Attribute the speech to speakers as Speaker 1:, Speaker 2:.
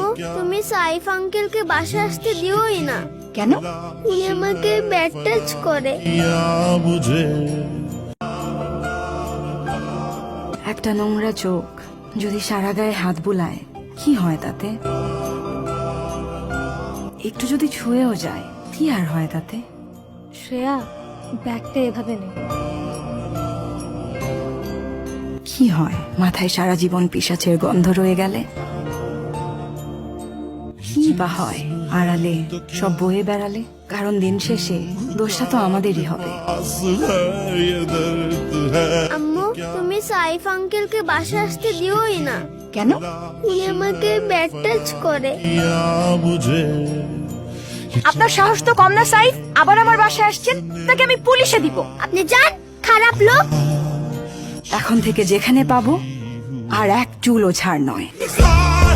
Speaker 1: তুমি সাইফ আঙ্কেলকে বাসায় আসতে দিওই না।
Speaker 2: কেন?
Speaker 1: উনি আমাকে ব্যাড টাচ করে।
Speaker 2: একটা নোংরা চোখ যদি সারা গায়ে হাত বুলায় কি হয় তাতে? একটু যদি ছুঁয়েও যায় কি আর হয় তাতে?
Speaker 1: শ্রেয়া, ব্যাগটা এভাবে নে।
Speaker 2: কি হয় মাথায় সারা জীবন পিশাচের গন্ধ রয়ে গেলে? কি বা হয় আড়ালে সব বয়ে বেড়ালে? কারণ দিন শেষে দোষটা তো আমাদেরই হবে।
Speaker 1: আম্মু, তুমি সাইফ আঙ্কেলকে বাসায় আসতে দিওই না।
Speaker 2: কেন?
Speaker 1: উনি আমাকে ব্যাড টাচ করে।
Speaker 2: আপনার সাহস তো কম না সাইফ, আবার আমার বাসায় আসছেন, তাকে আমি পুলিশে দিব।
Speaker 1: আপনি যান, খারাপ লোক।
Speaker 2: এখন থেকে যেখানে পাবো আর এক চুলও ছাড় নয়।